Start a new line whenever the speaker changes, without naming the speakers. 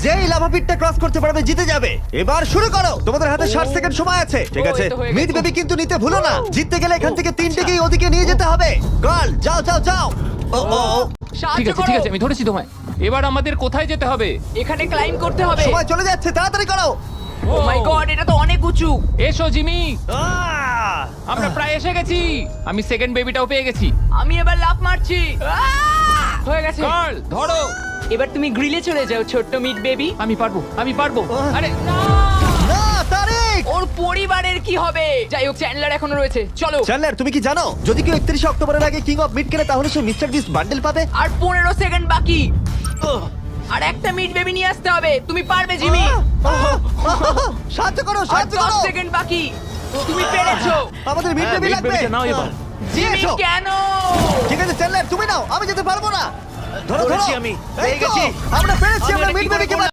যেই lava পিটটা cross করতে পারবে জিতে যাবে। এবার শুরু করো, তোমাদের হাতে 60 সেকেন্ড সময় আছে। ঠিক আছে,
এই তো হয়ে গেছে।
মিড বেবি কিন্তু নিতে ভুলো না। জিততে গেলে এখান থেকে তিনটেকেই ওদিকে নিয়ে যেতে হবে। গার্ল যাও যাও যাও। ও ও ও,
ঠিক
সাহায্য
আছে
করো।
ঠিক আছে আমি ধরেছি তোমায়। এবার আমাদের কোথায় যেতে হবে?
এখানে ক্লাইম্ব করতে হবে।
সময় চলে যাচ্ছে, তাড়াতাড়ি করো।
ও মাই গড, এটা তো অনেক উঁচু।
এসো জিমি,
আহ!
আমরা প্রায় এসে গেছি। আমি সেকেন্ড বেবিটাও পেয়ে গেছি।
আমি এবার লাফ মারছি। হয়ে গেছে।
গার্ল ধরো।
এবার তুমি গ্রিলে চলে যাও ছোট্ট মিট বেবি।
আমি পারবো আমি পারবো। আরে না!
না তারিক।
ওর পরিবারের কি হবে? যাই হোক, চ্যান্ডলার এখনো রয়েছে, চলো।
চ্যান্ডলার তুমি কি জানো যদি কেউ 31 অক্টোবরের আগে কিং অফ মিড কেনে তাহলে সে মিস্টার বিস্ট বান্ডেল পাবে?
আর 15 সেকেন্ড বাকি। আর একটা মিট বেবি নিয়ে আসতে হবে। তুমি পারবে জিমি।
সাহায্য করো
আর
সাহায্য
10
করো।
সেকেন্ড বাকি। তুমি পেরেছো।
আমাদের মিড বেবি লাগবে।
নাও এবার।
জিমি
এসো।
কেন?
ঠিক আছে চ্যান্ডলার তুমি নাও, আমি যেতে পারবো না। ধরো ধরো
ধরেছি আমি,
এই
পেয়ে
তো,
গেছি।
আমরা পেরেছি,
আমি
আমরা
এটা
মিড
কি করে
বেবিকে
করলাম?